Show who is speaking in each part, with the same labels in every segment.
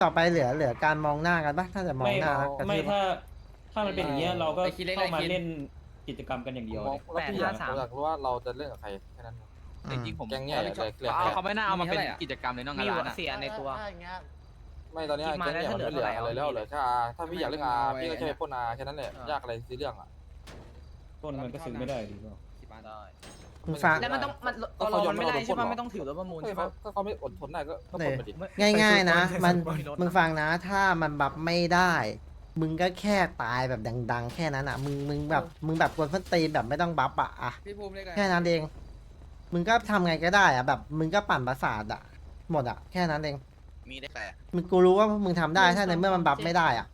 Speaker 1: ต่อไปเหลือการมองหน้ากันปะถ้าจะมอง
Speaker 2: ไม่
Speaker 1: หน้าแล้วกระทืบปะ
Speaker 2: ถ้ามันเป็นอย่างเงี้ยเราก็เข้ามาเล่นกิจกรรมกันอย่าง
Speaker 3: ผ
Speaker 2: เดี
Speaker 3: ม
Speaker 2: ยว
Speaker 3: มอง
Speaker 2: เลย
Speaker 3: แล้วพี่อยากรู้ว่าเราจะเล่นกับใครแค่นั้น
Speaker 4: จริงๆผม
Speaker 3: แก๊งเนี่ยเลยเรียก
Speaker 4: เขาไม่น่าเอามาเป็นกิจกรรมเลยน้อง
Speaker 5: มี
Speaker 4: งาน
Speaker 5: หัว
Speaker 4: ร้านอะ
Speaker 5: เสียในตัว
Speaker 3: ไม่ตอนนี้แก๊งเนี่ยมันไม่เหลืออะไรแล้วเหลือแค่ถ้าพี่อยากเล่นอาพี่ก็แค่พ่นอาแค่นั้นแหละยากอะไรซีเรื่องอ่ะ
Speaker 2: ต้นมันก็ซื้อไม่ได้ดีกว่า
Speaker 1: มึงฟัง
Speaker 5: แล้วมันต้องมันตัวเรามันไม่ได้ใช่ปะไม่ต้องถือรถประมูลใช่ปะ
Speaker 3: ก็เขาไม่อดทนได้ก็พ่นไปดิ
Speaker 1: ง่ายๆนะมึงฟังนะ ถ้ามันบัฟไม่ได้ มึงก็แค่ตายแบบดังๆ แค่นั้นอ่ะมึงแบบกวนส้นตีนแบบไม่ต้องบัฟอ่ะ
Speaker 4: พี่ภูมิเรียกอะไร
Speaker 1: แค่นั้นเอง มึงก็ทำไงก็ได้อ่ะแบบมึงก็ปั่นประสาทอ่ะหมดอ่ะแค่นั้นเอง
Speaker 4: มีได้แต่
Speaker 1: มึงกูรู้ว่ามึงทำได้ถ้าในเมื่อมันบัฟไม่ได้อ่ะ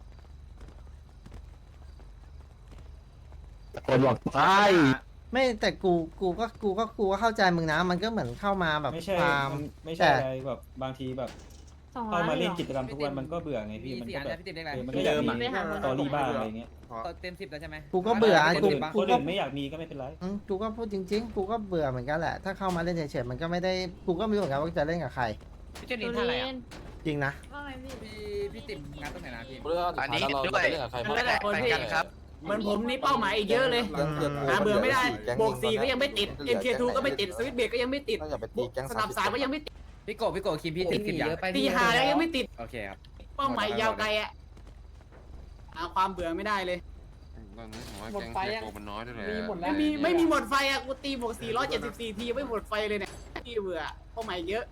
Speaker 6: คนบอกใช่
Speaker 1: ไม่แต่กูก็เข้าใจมึงนะ มันก็เหมือนเข้ามาแบบ
Speaker 2: ไม่ใช่
Speaker 1: ความ
Speaker 2: ไม่ใช่อะไรแบบบางทีแบบ
Speaker 7: 200
Speaker 2: เข้ามาเล่นกิจกรรมทุกวันมันก็เบื่อไงพี่มันก็แบบ
Speaker 4: พี่ติ๊บเรียกอะไร
Speaker 2: มันก็อยากมีสตอรี่บ้างอะไรเงี้ย
Speaker 4: เต็ม10แล้วใช่ไหม
Speaker 1: กูก็เบื่อกู
Speaker 2: คน
Speaker 1: กู
Speaker 2: อื่น
Speaker 1: ก็
Speaker 2: ไม่อยากมีก็ไม่เป็นไร
Speaker 1: กูก็พูดจริงๆ กูก็เบื่อเหมือนกันแหละ ถ้าเข้ามาเล่นเฉยๆ มันก็ไม่ได้ กูก็ไม่รู้เหมือนกันว่าจะเล่นกับใคร
Speaker 5: พี่เจนินท่าอะไรอ่ะ
Speaker 1: จริงนะ
Speaker 7: ว่าไงพี่
Speaker 4: พี่ติ๊บงานตรงไหนนะพี่
Speaker 3: เรื่องสุดท้ายเราจะเล่นกับใคร
Speaker 5: มันหลายคนพี่เหมือนผมนี่เป้าหมายอีกเยอะเลยหาเบื่อไม่ได้บวก4ก็ยังไม่ติด MK2 ก็ไม่ติดสวิตเบรกก็ยังไม่ติด
Speaker 3: ต้องอย่าไปตีแก๊ง
Speaker 5: สนับ3ก็ยังไม่ติด
Speaker 4: พี่โกคิมพี่ติ๊บเยอะไป
Speaker 5: ตีหาแล้วยังไม่ติด
Speaker 4: โอเคครับ
Speaker 5: เป้าหมายยาวไกลอ่ะหาความเบื่อไม่ได้เลย
Speaker 8: ตอนนี้ผมว่าแก๊งเทียโกมันน้อยด้วยแหละ
Speaker 5: ไม่มีหมดไฟอ่ะกูตีบวก474ทีไม่หมดไฟเลยเนี่ยที่เบื่อเป้าหมายเยอะ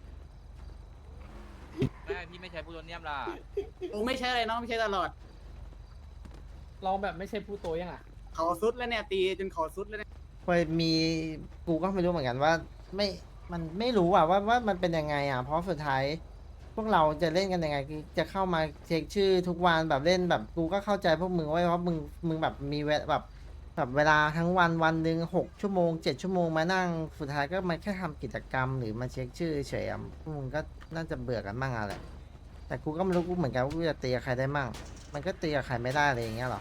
Speaker 4: แม่พี่ไม่ใช้ปูโตเนียมล่ะ
Speaker 5: โอ้ไม่ใช่เลยน้องไม่ใช่ตลอด
Speaker 9: เราแบบไม่ใช่ผู้โตยังอ่ะ
Speaker 5: เขาสุดแล้วเนี่ยตีจนเขาสุดแล้วเนี่ย
Speaker 1: เคยมี กูก็ไม่รู้เหมือนกันว่า มันไม่รู้อ่ะว่ามันเป็นยังไงอ่ะ เพราะสุดท้าย พวกเราจะเล่นกันยังไงคือจะเข้ามาเช็คชื่อทุกวันแบบเล่นแบบกูก็เข้าใจพวกมึงไว้เพราะมึงแบบมีเวลแบบเวลาทั้งวันหนึ่ง6 ชั่วโมง7 ชั่วโมงมานั่งสุดท้ายก็มาแค่ทำกิจกรรมหรือมาเช็คชื่อเฉยๆพวกมึงก็น่าจะเบื่อกันบ้างอะไรแต่กูก็ไม่รู้กูเหมือนกันว่ากูจะตีกับใครได้มั่งมันก็ตีกับใครไม่ได้อะไรอย่างเงี้ยหรอ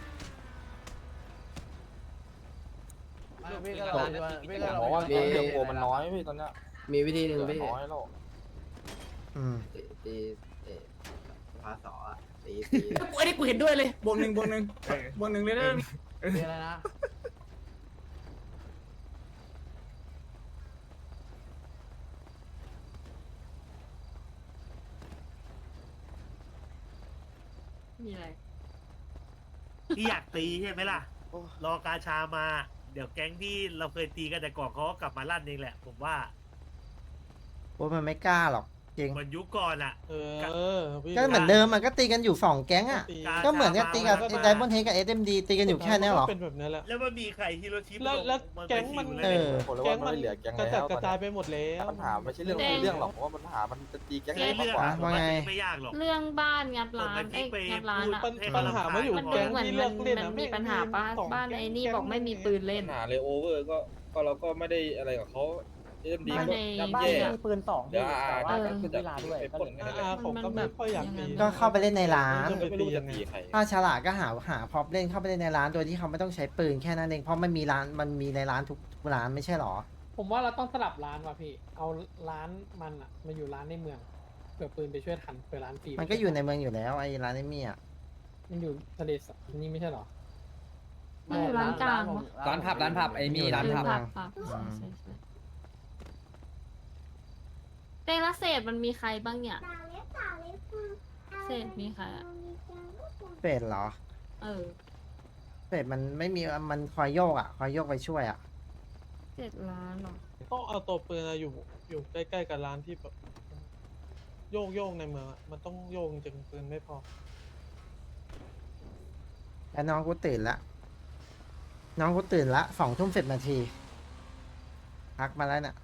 Speaker 3: บอกว่าเรื่องโกมันน้อยพี่ตอนเนี้ย
Speaker 6: มีวิธีหนึ่งพี่
Speaker 3: น้อยแล้ว
Speaker 1: อืม
Speaker 6: ตีภาษาตี
Speaker 5: ไอ้นี่กูเห็นด้วยเลยบวกหนึ่งเลยนะ
Speaker 9: มีอะไรนะ
Speaker 7: มีอะไร
Speaker 10: ที่อยากตีใช่ไหมล่ะ รอกาชามา เดี๋ยวแก๊งที่เราเคยตีกันแต่ก่อนเขาก็กลับมาลั่นเองแหละ ผมว่า
Speaker 1: โอ้ยมันไม่กล้าหรอกจริง
Speaker 10: เหมือนยุคก่อนอ่ะ
Speaker 1: ก็เหมือนเดิมมันก็ตีกันอยู่2 แก๊งอ่ะก็เหมือนกับตีกับไดมอนเฮดกับ SMD ตีกันอยู่แค่นี้หรอ
Speaker 9: เป็นแบบนั้นแหละ
Speaker 10: แล้วมันมีใครฮิโรชิ
Speaker 9: แล้วแก๊งมัน
Speaker 1: เออ
Speaker 3: ผมเลยว่ามันไม่เหลือแก๊ง
Speaker 9: กระ
Speaker 3: แล้
Speaker 9: จัด
Speaker 3: ว
Speaker 9: กระจายไปหมดแล้ว
Speaker 3: ปัญหาไม่ใช่เรื่องหรอกเพราะว่าปัญหามันจะตีแก๊ง
Speaker 10: ไอ้
Speaker 3: มาก
Speaker 10: เรื่อง
Speaker 3: กว่า
Speaker 1: ว่าไง
Speaker 10: ไม่ยากหรอก
Speaker 7: เรื่องบ้านงัดร้านงัดร้านอ่ะ
Speaker 9: ปัญหาไม่อยู่
Speaker 7: มันดู
Speaker 9: แก๊ง
Speaker 7: เหมือน
Speaker 9: ที่เลือกเล่น
Speaker 7: มันมีปัญหาป้าบ้านไอ้นี่บอกไม่มีปืนเล่น
Speaker 3: ปัญหาเลยโอเวอร์ก็เราก็ไม่ได้อะไรกับเขาเอ็มดี
Speaker 7: บ้าน
Speaker 3: ก็
Speaker 7: ใน
Speaker 3: ย่ำแย่
Speaker 9: มีปืน2
Speaker 3: เดี๋ยวก็จะไปปล้นกันนั่นแหละ
Speaker 9: ผมก็ไม่ค่อยอยากตี
Speaker 1: ก็เข้าไปเล่นในร้าน
Speaker 3: ไม่รู้จะตีใคร
Speaker 1: ถ้าฉลาดก็หาพร็อพเล่นเข้าไปเล่นในร้านโดยที่เขาไม่ต้องใช้ปืนแค่นั้นเองเพราะมันมีในร้านทุกร้านไม่ใช่หรอ
Speaker 9: ผมว่าเราต้องสลับร้านว่ะพี่ เอาร้านมันอ่ะมาอยู่ร้านในเมืองเผื่อปืนไปช่วยทันเผื่อร้านฟรี
Speaker 1: มันก็อยู่ในเมืองอยู่แล้วไอ้ร้านไอ้มี่อ่ะ
Speaker 9: มันอยู่ทะเลสาบนี่ไม่ใช่หรอ
Speaker 7: มันอยู่ร้านกลางปะ
Speaker 4: ร้านผับไอ้มีร้านผับ
Speaker 7: ผับใช่เต้ละเศษมันมีใครบ้างเนี่ยเศษมีใครอ่ะ
Speaker 1: เป็ดเหรอ
Speaker 7: เออ
Speaker 1: เป็ดมันไม่มีมันคอยโยกอ่ะคอยโยกไปช่วยอ่ะ
Speaker 7: 7 ล้านหรอ
Speaker 9: ต้องเอาตัวปืนอยู่ใกล้ๆกับร้านที่แบบโยกในเมืองมันต้องโยกจริงปืนไม่พอ
Speaker 1: แล้วน้องกูตื่นละ2 ทุ่ม 10 นาทีพักมาแล้วเนี่ย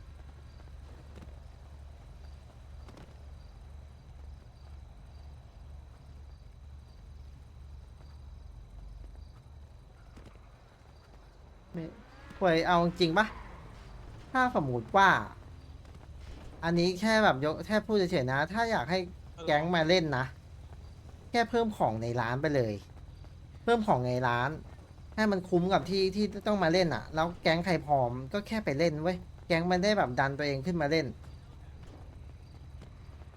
Speaker 1: ป่วยเอาจริงปะถ้าสมมติว่า อันนี้แค่แบบแค่พูดเฉยๆนะ ถ้าอยากให้แก๊งมาเล่นนะ แค่เพิ่มของในร้านไปเลย เพิ่มของในร้าน ให้มันคุ้มกับที่ต้องมาเล่นอ่ะ แล้วแก๊งใครพร้อมก็แค่ไปเล่นเว้ย แก๊งมันได้แบบดันตัวเองขึ้นมาเล่น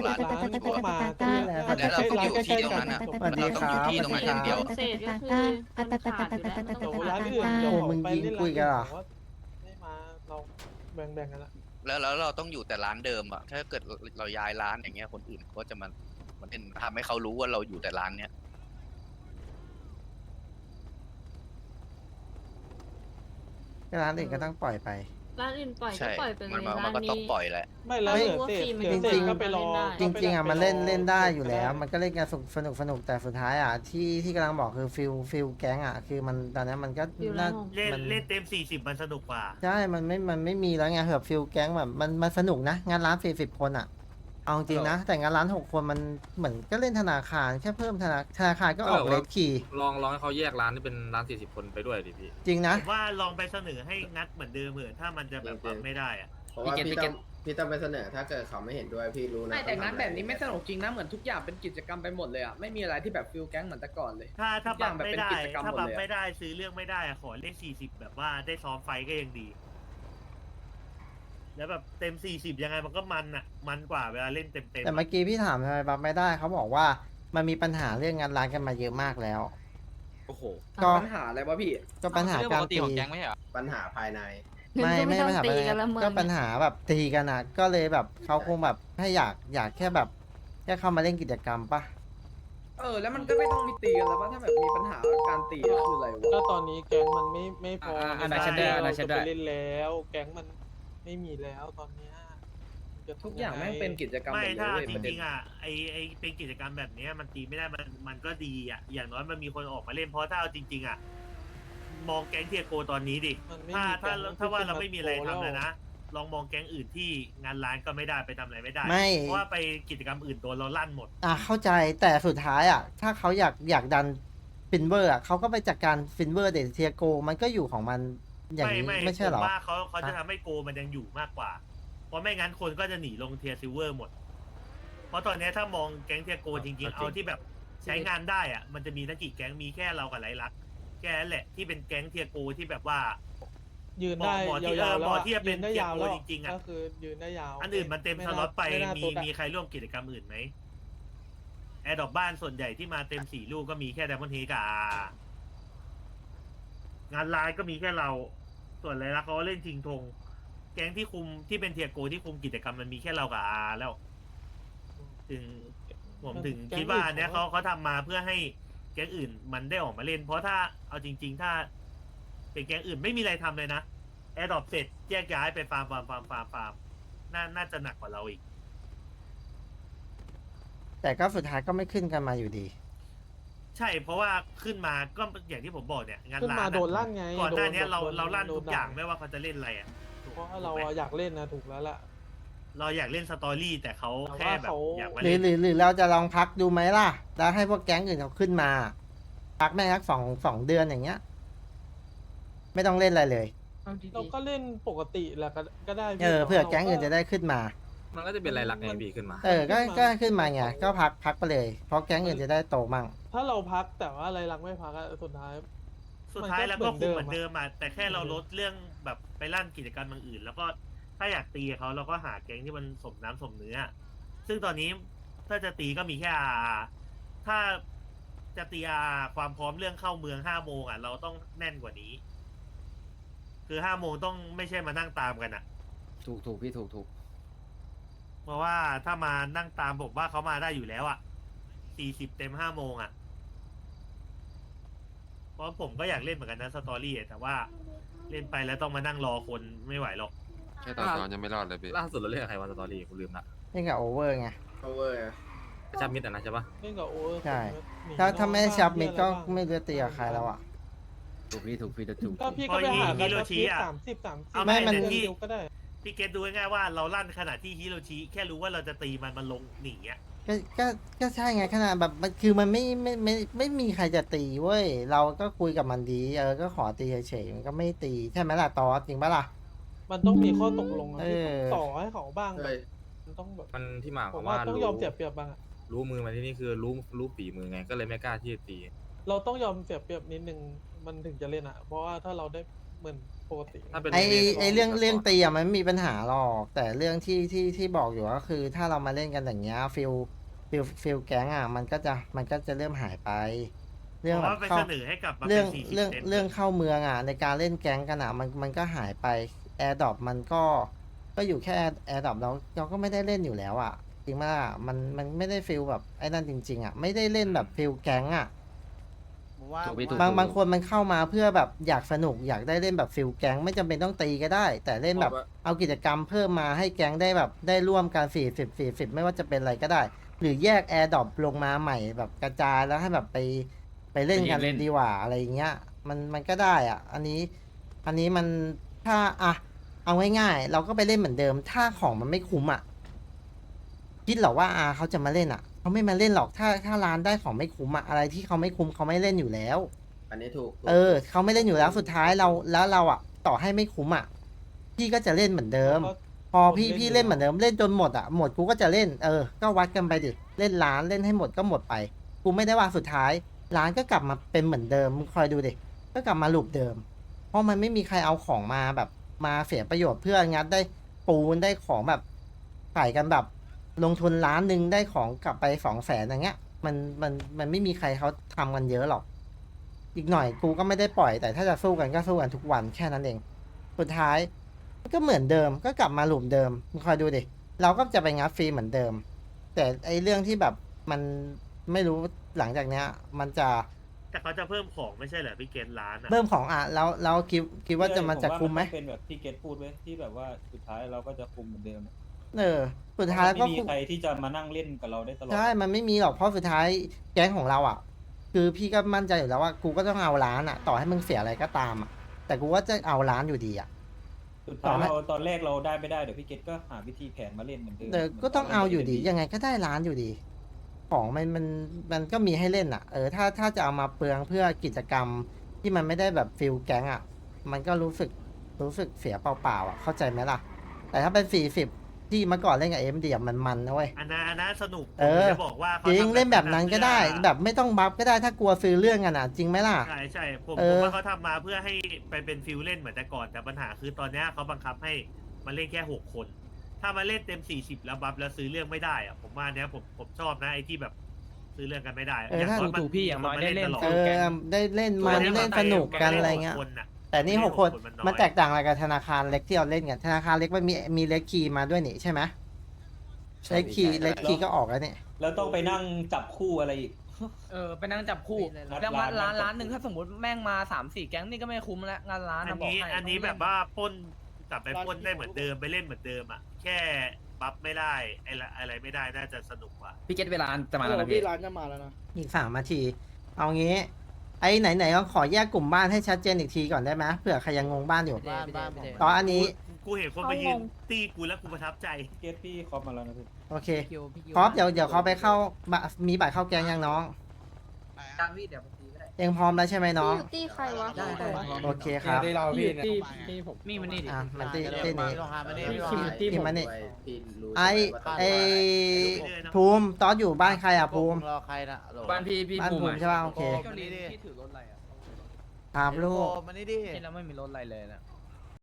Speaker 4: ร้าน
Speaker 9: ร้าน
Speaker 4: ชัวร์
Speaker 9: มา
Speaker 4: แล้วเราต้องอยู่ที่ตรงนั้นอ่ะ
Speaker 1: สวัสดี
Speaker 4: เราต้องอยู่ที่ตรงนั้นอย่างเดียว
Speaker 7: เศษก็คือมันขาดอยู่แล้วมันต้
Speaker 9: เดี๋
Speaker 7: อง
Speaker 9: ยว
Speaker 7: ไป
Speaker 9: ร้าน
Speaker 7: หา
Speaker 9: อื่น
Speaker 7: ร้าน
Speaker 9: เดี๋ยว
Speaker 1: โอ้
Speaker 9: ผม
Speaker 1: มึง
Speaker 9: ไป
Speaker 1: ยิง
Speaker 9: เล่น
Speaker 1: คุ
Speaker 9: ร้าย น
Speaker 1: กันเหรอ
Speaker 9: ผมว่าไม่มาเราแบ่งกันละ
Speaker 4: แล้วเราต้องอยู่แต่ร้านเดิมอ่ะถ้าเกิดเราย้ายร้านอย่างเงี้ยคนอื่นก็จะมันเป็นทำให้เขารู้ว่าเราอยู่แต่ร้านเนี้ย
Speaker 1: ร้านอื่นก็ต้องปล่อยไป
Speaker 7: ร้านอื่นปล่อยก็
Speaker 4: ใช่
Speaker 7: ปล่อยไปเลย
Speaker 4: มัน
Speaker 7: ร้าน
Speaker 4: ก็ต้อง
Speaker 7: นี้
Speaker 4: ปล่อยแหละ
Speaker 9: ไม่แล้วเหลือเศษ
Speaker 7: ไม่
Speaker 9: เหลือเศ
Speaker 1: จริ
Speaker 9: ษ
Speaker 1: งๆ
Speaker 9: ก็ไปรอ
Speaker 1: จริงๆอ่ะมันเล่นได้อยู่แล้ว
Speaker 9: ก็
Speaker 1: มันก็เล่นกันสนุกแต่สุดท้ายอ่ะที่กำลังบอกคือฟิลแก๊งอ่ะคือมันตอนนี้มันก็
Speaker 7: ฟิล
Speaker 1: น่า
Speaker 7: แล้ว
Speaker 1: มัน
Speaker 10: เล่นเต็ม 40 มันสนุกกว่า
Speaker 1: ใช่มันไม่มีแล้วไงแบบฟิลแก๊งแบบมันสนุกนะงานร้าน40 คนอ่ะเอาจริงนะ แต่งานร้าน6 คนมันเหมือนก็เล่นธนาคารแค่เพิ่มธนาคารก็ออกเลทคีย์
Speaker 3: ลองให้เขาแยกร้านที่เป็นร้าน40 คนไปด้วยดิพี่
Speaker 1: จริงนะ
Speaker 10: ผมว่าลองไปเสนอให้งัดเหมือนเดิมเหมือนถ้ามันจะแบบปรับไม่ได้อะ
Speaker 11: เพราะว่าพี่ต้องไปเสนอถ้าเกิดเขาไม่เห็นด้วยพี่รู้นะ
Speaker 6: ไม่แต่งานแบบนี้ไม่สนุกจริงนะเหมือนทุกอย่างเป็นกิจกรรมไปหมดเลยอ่ะไม่มีอะไรที่แบบฟิลแก๊งเหมือนแต่ก่อนเลย
Speaker 10: ถ้าปรับไม่ได้
Speaker 6: ทุกอย่างแบบเป็นกิจกรรม
Speaker 10: ถ้า
Speaker 6: หมด
Speaker 10: ปรับ
Speaker 6: เลยอะ
Speaker 10: ไม่ได้ซื้อเรื่องไม่ได้อะขอเลข40 แบบว่าได้ซ้อมไฟก็ยังดี แล้วแบบเต็ม 40 ยังไงมันก็มันอ่ะมันกว่าเวลาเล่นเต็ม
Speaker 1: แต่เมื่อกี้พี่ถามทำไมบัฟไม่ได้เขาบอกว่ามันมีปัญหาเรื่องงานร้านกันมาเยอะมากแล้ว
Speaker 3: โอ้โห
Speaker 1: ก็
Speaker 6: ปัญหาอะไรวะพี่
Speaker 1: ก็ปัญหาการตี
Speaker 11: ปัญหาภายใน
Speaker 1: ไม่
Speaker 7: ต้อง
Speaker 1: ปัญหา
Speaker 7: ตี
Speaker 1: ปัญ
Speaker 7: กัน
Speaker 1: หา
Speaker 7: ละเมือง
Speaker 1: ก็ปัญหาแบบตีกันอ่ะก็เลยแบบเขาคงแบบให้อยากแค่แบบแค่เข้ามาเล่นกิจกรรมปะ
Speaker 6: แล้วมันก็ไม่ต้องมีตีกันแล้วว่าถ้าแบบมีปัญหาการตีก็คืออะไร
Speaker 9: ก็
Speaker 6: วะ
Speaker 9: ตอนนี้แก๊งมันไม่พอ
Speaker 5: อันนั้นฉันได้อันนั้นฉันได้
Speaker 9: จะไปเล่นแล้ว แก๊งมันไม่มีแล้วตอนเนี้ยจะทำ
Speaker 6: ทุกอย่างแม่งเป็นกิจกรรม
Speaker 10: ไม่
Speaker 6: หมดเลย
Speaker 10: ถ้า
Speaker 6: เว้ย
Speaker 10: จ
Speaker 6: ประเด็
Speaker 10: ริ
Speaker 6: น
Speaker 10: งๆอ่ะไอเป็นกิจกรรมแบบเนี้ยมันตีไม่ได้มันก็ดีอ่ะอย่างน้อยมันมีคนออกมาเล่นเพราะถ้าเอาจริงๆอ่ะมองแก๊งเทียโกตอนนี้ดิ
Speaker 9: มันไม่
Speaker 10: ถ้า
Speaker 9: มี
Speaker 10: ถ้า
Speaker 9: แก๊ง
Speaker 10: ถ้าว่าเรา
Speaker 9: ที่
Speaker 10: ไม่มีอะไร
Speaker 9: โตแล้ว
Speaker 10: ทำเลยนะลองมองแก๊งอื่นที่งานร้านก็ไม่ได้ไปทำอะไรไม่ได้
Speaker 1: ไม่
Speaker 10: เพราะว่าไปกิจกรรมอื่นโดนเราลั่นหมด
Speaker 1: เข้าใจแต่สุดท้ายอ่ะถ้าเขาอยากดันฟินเวอร์อ่ะเขาก็ไปจัดการฟินเวอร์เดเทียโกมันก็อยู่ของมันอย่างนี้ไม่ใช่เหรอ
Speaker 10: ผมว่าเขาจะทำให้โกมันยังอยู่มากกว่า เพราะไม่งั้นคนก็จะหนีลงเทียซิลเวอร์หมดเพราะตอนเนี้ยถ้ามองแก๊งเทียโกจริงๆเอาที่แบบใช้งานได้อ่ะมันจะมีนักกี่แก๊งมีแค่เรากับไรลักษณ์แค่นั้นแหละที่เป็นแก๊งเทียโกที่แบบว่า
Speaker 9: ยืนได้
Speaker 10: หมอที่
Speaker 9: ยาวๆ
Speaker 10: หมอที่จะเป็น
Speaker 9: ยืนได้ยาวแล้ว
Speaker 10: เทียโกจริงๆอะ
Speaker 9: ก็คือยืนได้ยาว
Speaker 10: อันอื่นมันเต็มสล็อตไป
Speaker 9: ไม่น่า
Speaker 10: มี
Speaker 9: ตุ๊ดอะ
Speaker 10: มีใครร่วมกิจกรรมอื่นไหมแอร์ดรอปบ้านส่วนใหญ่ที่มาเต็ม4 ลูกก็มีแค่ไดมอนด์เฮดกับงานไลน์ก็มีแค่เรา ส่วนไรลักษณ์เขาก็เล่นชิงธงแก๊งที่คุมที่เป็นเทียโกที่คุมกิจกรรมมันมีแค่เรากับอาแล้ว ถึงผมถึงคิดว่าอันเนี้ยเขาทำมาเพื่อให้แก๊งอื่นมันได้ออกมาเล่น เพราะถ้าเอาจริง ๆ ถ้าเป็นแก๊งอื่นไม่มีอะไรทำเลยนะแอร์ดรอปเสร็จแยกย้ายไปฟาร์มน่าจะหนักกว่าเราอีก
Speaker 1: แต่ก็สุดท้ายก็ไม่ขึ้นกันมาอยู่ดี
Speaker 10: ใช่เพราะว่าขึ้นมาก็อย่างที่ผมบอกเนี่ยงาน
Speaker 9: ขึ้น
Speaker 10: ร้าน
Speaker 9: มา
Speaker 10: อะ
Speaker 9: โดนลั่นไง
Speaker 10: ก่อนหน้าเนี้ย
Speaker 9: โดน
Speaker 10: เราลั่น
Speaker 9: โด
Speaker 10: ทุกอย่าง
Speaker 9: ด่
Speaker 10: ไม่ว่าเขาจะเล่นอะไรอ่ะถูก
Speaker 9: เพราะว่าเรา
Speaker 10: ถูกไหม
Speaker 9: อยากเล่นนะถูกแล้วล่ะ
Speaker 10: เราอยากเล่นสตอรี่แต่เขา
Speaker 9: แต่ว่า
Speaker 10: แค่แบบ
Speaker 9: เขา
Speaker 10: อยากมา
Speaker 1: หรื
Speaker 10: เล่
Speaker 1: อน หรือเราจะลองพักดูไหมล่ะ แล้วให้พวกแก๊งอื่นเขาขึ้นมา พักแม่งสักสองเดือนอย่างเงี้ย ไม่ต้องเล่นอะไรเลย
Speaker 9: เราก็เล่นปกติแหละก็ได้พี่
Speaker 1: เพื่อ
Speaker 9: รา
Speaker 1: แก๊งอื่นจะได้ขึ้นมา
Speaker 3: มันก็จะเป็นไรลักไงพี่ขึ้นมา
Speaker 1: ก็ขึ้นมาไงก็พักไปเลย เพราะแก๊งอื่นจะได้โตมั่ง
Speaker 9: ถ้าเราพักแต่ว่าอะไรรักไม่พักอะสุดท้าย
Speaker 10: แล้วก็คุมเหมือน
Speaker 9: อะ
Speaker 10: เดิมอ่ะแต่แค่เราลดเรื่องแบบไปลั่นกิจกรรมอย่างอื่น แล้วก็ถ้าอยากตีเขาเราก็หาแก๊งที่มันสมน้ำสมเนื้อ ซึ่งตอนนี้ถ้าจะตีก็มีแค่ถ้าจะตีความพร้อมเรื่องเข้าเมือง5 โมงอ่ะเราต้องแน่นกว่านี้ คือ5 โมงต้องไม่ใช่มานั่งตามกันอ่ะ
Speaker 11: ถูกพี่ถูก
Speaker 10: เพราะว่าถ้ามานั่งตามผมว่าเขามาได้อยู่แล้วอ่ะ40 เต็ม5 โมงอ่ะ เพราะผมก็อยากเล่นเหมือนกันนะสตอรี่แต่ว่าเล่นไปแล้วต้องมานั่งรอคนไม่ไหวหรอก
Speaker 8: แค่ตอนยังไม่รอดเลยพี่
Speaker 3: ล่าสุดเราเล่นกับใครวะสตอรี่กูลืมละ
Speaker 1: เล่นกับโอเวอร์ไง
Speaker 11: cover
Speaker 3: ชับมิดอ่ะนะใช่ปะ
Speaker 9: เล่นกับโอเวอร์
Speaker 1: ใช่
Speaker 9: หนี
Speaker 1: ถ้าไม่
Speaker 9: นอก
Speaker 1: ชับมิดก็
Speaker 9: บ้าน
Speaker 1: ไม่รู้จะตีกับใครแล้วอ่ะ
Speaker 11: ถูกพี่ถูก
Speaker 9: ก็พี่ก็ไปหา
Speaker 10: ฮิโรชิอะ
Speaker 9: 30
Speaker 10: เอา
Speaker 1: ไม่
Speaker 10: ไม่
Speaker 1: มัน
Speaker 10: แต่ที่
Speaker 9: เดียวก็ได้
Speaker 10: พี่เกตดูง่ายๆว่าเราลั่นขนาดที่ฮิโรชิแค่รู้ว่าเราจะตีมันลงหนีอ่ะ
Speaker 1: ก็ใช่ไงขนาดแบบมันคือมันไม่มีใครจะตีเว้ย เราก็คุยกับมันดี ก็ขอตีเฉยๆมันก็ไม่ตีใช่ไหมล่ะตอสจริงปะล่ะ
Speaker 9: มันต้องมีข้อตกลงอะ
Speaker 1: เอ
Speaker 9: พี่
Speaker 1: อ
Speaker 9: ต่อให้เขาบ้างแบ
Speaker 11: เฮ้
Speaker 9: บ
Speaker 11: ย
Speaker 9: มันต้องแบบ
Speaker 3: มันที่มาข
Speaker 9: ผ
Speaker 3: อง
Speaker 9: มว่า
Speaker 3: ว่า
Speaker 9: ต้องยอมเสียเปรียบบ้างอะ
Speaker 3: รู้มือมาที่นี่คือรู้ฝีมือไงก็เลยไม่กล้าที่จะตี
Speaker 9: เราต้องยอมเสียเปรียบนิดนึงมันถึงจะเล่นอะเพราะว่าถ้าเราได้เหมือนปกติ
Speaker 3: ถ้าเป็น
Speaker 1: ไอเรื่องตีอะมันไม่มีปัญหาหรอก แต่เรื่องที่บอกอยู่ก็คือ ถ้าเรามาเล่นกันอย่างเงี้ยฟิลแก๊งอ่ะมันก็จะเริ่มหายไป เรื่อง
Speaker 10: เพ
Speaker 1: แบ
Speaker 10: ราะ
Speaker 1: บ
Speaker 10: ว่าไป
Speaker 1: เข้า
Speaker 10: เสนอให้กลับมา
Speaker 1: เรื่
Speaker 10: เป็
Speaker 1: อง
Speaker 10: น40
Speaker 1: เรื่อง
Speaker 10: เต็ม
Speaker 1: เรื่องเข้าเมืองอ่ะในการเล่นแก๊งกันอ่ะมันก็หายไปแอร์ดรอปมันก็อยู่แค่แอร์ดรอปเราก็ไม่ได้เล่นอยู่แล้วอ่ะจริงไหมล่ะมันไม่ได้ฟิลแบบไอ้นั่นจริงๆอ่ะไม่ได้เล่นแบบฟิลแก๊งอ่ะ
Speaker 11: ถูกพี่ถูก
Speaker 1: บางคนมันเข้ามาเพื่อแบบอยากสนุกอยากได้เล่นแบบฟิลแก๊งไม่จำเป็นต้องตีก็ได้ แต่เล่นแบบเอากิจกรรมเพิ่มมาให้แก๊งได้แบบได้ร่วมกัน40ไม่ว่าจะเป็นอะไรก็ได้ หรือแยกแอร์ดรอปลงมาใหม่แบบกระจายแล้วให้แบบไปเล่นกันดีกว่าอะไรอย่างเงี้ยมันก็ได้อ่ะอันนี้มันถ้าเอาง่ายๆเราก็ไปเล่นเหมือนเดิม ถ้าของมันไม่คุ้มอ่ะคิดเหรอว่าเขาจะมาเล่นอ่ะเขาไม่มาเล่นหรอกถ้าร้านได้ของไม่คุ้มอะอะไรที่เขาไม่คุ้มเขาไม่เล่นอยู่แล้ว
Speaker 11: อันนี้ถูก
Speaker 1: เขาไม่เล่นอยู่แล้วสุดท้ายเราอ่ะต่อให้ไม่คุ้มอ่ะพี่ก็จะเล่นเหมือนเดิม พอพี่เล่นเหมือนเดิมเล่นจนหมดอ่ะหมดกูก็จะเล่นก็วัดกันไปดิเล่นร้านเล่นให้หมดก็หมดไปกูไม่ได้ว่าสุดท้ายร้านก็กลับมาเป็นเหมือนเดิมมึงคอยดูดิก็กลับมาลูปเดิม เพราะมันไม่มีใครเอาของมาแบบมาเสียประโยชน์เพื่องัดได้ปูนได้ของแบบขายกันแบบลงทุน1,000,000ได้ของกลับไป200,000อย่างเงี้ยมันไม่มีใครเขาทำกันเยอะหรอกอีกหน่อยกูก็ไม่ได้ปล่อยแต่ถ้าจะสู้กันก็สู้กันทุกวันแค่นั้นเองสุดท้ายก็เหมือนเดิมก็กลับมาหลุมเดิมมึงคอยดูดิเราก็จะไปงัดฟรีเหมือนเดิม แต่ไอเรื่องที่แบบมันไม่รู้หลังจากเนี้ยมันจะ
Speaker 10: แต่เขาจะเพิ่มของไม่ใช่เหรอพี่เกตร้านอะ
Speaker 1: เริ่มของแล้วคิดว่าจะมันจะคุ้มไหม
Speaker 2: ผว่าเป็นแบบที่เกตพูดไว้ที่แบบว่าสุดท้ายเราก็จะคุมเหมือนเดิม
Speaker 1: สุดท้าย
Speaker 2: ไม่
Speaker 1: ก็
Speaker 2: มีใครที่จะมานั่งเล่นกับเราได้ตลอด
Speaker 1: ใช่มันไม่มีหรอกเพราะสุดท้ายแก๊งของเราอ่ะ คือพี่ก็มั่นใจอยู่แล้วว่ากูก็ต้องเอาร้านอ่ะ ต่อให้มึงเสียอะไรก็ตามอ่ะแต่กูว่าจะเอาร้านอยู่ดีอ่ะ
Speaker 2: สุดท้ายเราตอนแรกเราได้ไม่ได้เดี๋ยวพี่เกตก็หาวิธีแผนมาเล่นเหมือนเดิม
Speaker 1: ก็ต้องเอาอยู่ดียังไงก็ได้ร้านอยู่ดี ของมันก็มีให้เล่นอ่ะถ้าจะเอามาเปลืองเพื่อกิจกรรมที่มันไม่ได้แบบฟิลแก๊งอ่ะมันก็รู้สึกเสียเปล่าๆอ่ะเข้าใจไหมล่ะแต่ถ้าเป็น40 ที่เมื่อก่อนเล่นกับMDมันนะเว้ย
Speaker 10: อันนั้นสนุก
Speaker 1: เออ
Speaker 10: ผมจะบอกว่า
Speaker 1: จริง
Speaker 10: ขาทำ
Speaker 1: เล่นแบบนั้นก็ได้
Speaker 10: เพื่อ
Speaker 1: แบบไม่ต้องบัฟก็ได้ถ้ากลัวซื้อเรื่องกันอ่ะ จริงไหมล่ะ
Speaker 10: ใช่ผม
Speaker 1: เออ
Speaker 10: ว่าเขาทำมาเพื่อให้ไปเป็นฟิลเล่นเหมือนแต่ก่อนแต่ปัญหาคือตอนเนี้ยเขาบังคับให้มาเล่นแค่6 คน ถ้ามาเล่นเต็ม40แล้วบัฟแล้วซื้อเรื่องไม่ได้อะผมว่าเนี้ยผมชอบนะไอ้ที่แบบซื้อเรื่องกันไม่ได้
Speaker 1: เออถ้า
Speaker 10: น้อยมัน
Speaker 5: ถูกพี่อย่างน้อยได้เล่น
Speaker 10: ตลอด
Speaker 1: เออได้เล่นมันเล่นสนุกกันอะไรเงี้ย
Speaker 10: คนน่ะ
Speaker 1: แต่นี่
Speaker 10: ไม่ได้
Speaker 1: 6 คน
Speaker 10: หกคนมันน้อย
Speaker 1: มันแตกต่างอะไรกับธนาคารเล็กที่เราเล่นกันธนาคารเล็กมันมีเล็กคีย์มาด้วยนี่ใช่ไหมเล็กคีย์ก็ออกแล้วเนี่ย
Speaker 2: แล้วต้องไปนั่งจับคู่อะไรอีก
Speaker 6: ไปนั่งจับคู่ แล้วงานร้านหนึ่งถ้าสมมติแม่งมา3-4 แก๊งนี่ก็ไม่คุ้มแล้วงานร้าน
Speaker 10: อั
Speaker 6: นะ
Speaker 10: น
Speaker 6: บอก
Speaker 10: นี้
Speaker 6: ให้
Speaker 10: อันนี้แบบว่าปล้นกลับไปปล้นได้เหมือนเดิมไปเล่นเหมือนเดิมอ่ะแค่บัฟไม่ได้อะไรไม่ได้น่าจะสนุกกว่า
Speaker 5: พี่เกตเวลาจะมาแล้วนะ
Speaker 9: พี่
Speaker 5: พี่
Speaker 9: ร้านจะมาแล้วนะ
Speaker 1: อีก3 นาที เอางี้ ไอ้ไหนๆก็ขอแยกกลุ่มบ้านให้ชัดเจนอีกทีก่อนได้ไหมเผื่อใครยังงงบ้านอยู่ตอนอันนี้
Speaker 10: กูเห็นคนมายืนตีกูแล้วกูประทับใจ
Speaker 2: เกตพี่คอปมาแล้วนะพี่
Speaker 1: โอเคพร้อมเดี๋ยวเขาไปเข้ามีบัตรเข้าแกงยังน้อง
Speaker 6: การพี่เดี๋ยวผมตีก็ได้
Speaker 1: เองพร้อมแล้วใช่ไหมน้อง
Speaker 7: อยู่ตีใครวะ
Speaker 1: โอเคครับ
Speaker 9: พี่ผม
Speaker 5: มีมันนี่ดิ
Speaker 1: อ่ะมันตีนี้
Speaker 9: ที่
Speaker 1: ที่
Speaker 9: ผม
Speaker 1: มันนี่
Speaker 11: พี่รู้
Speaker 1: ไอ้ภูมิตอนอยู่บ้านใครอ่ะภูมิ
Speaker 6: รอใครนะ
Speaker 5: บ้านพี่
Speaker 1: บ้านภูมิใช่ป่ะโอเค
Speaker 6: พี่ถือรถอะไรอ่ะ
Speaker 1: ครับลูก
Speaker 6: มันนี่ดิแล้วไม่มีรถอะไรเลยนะ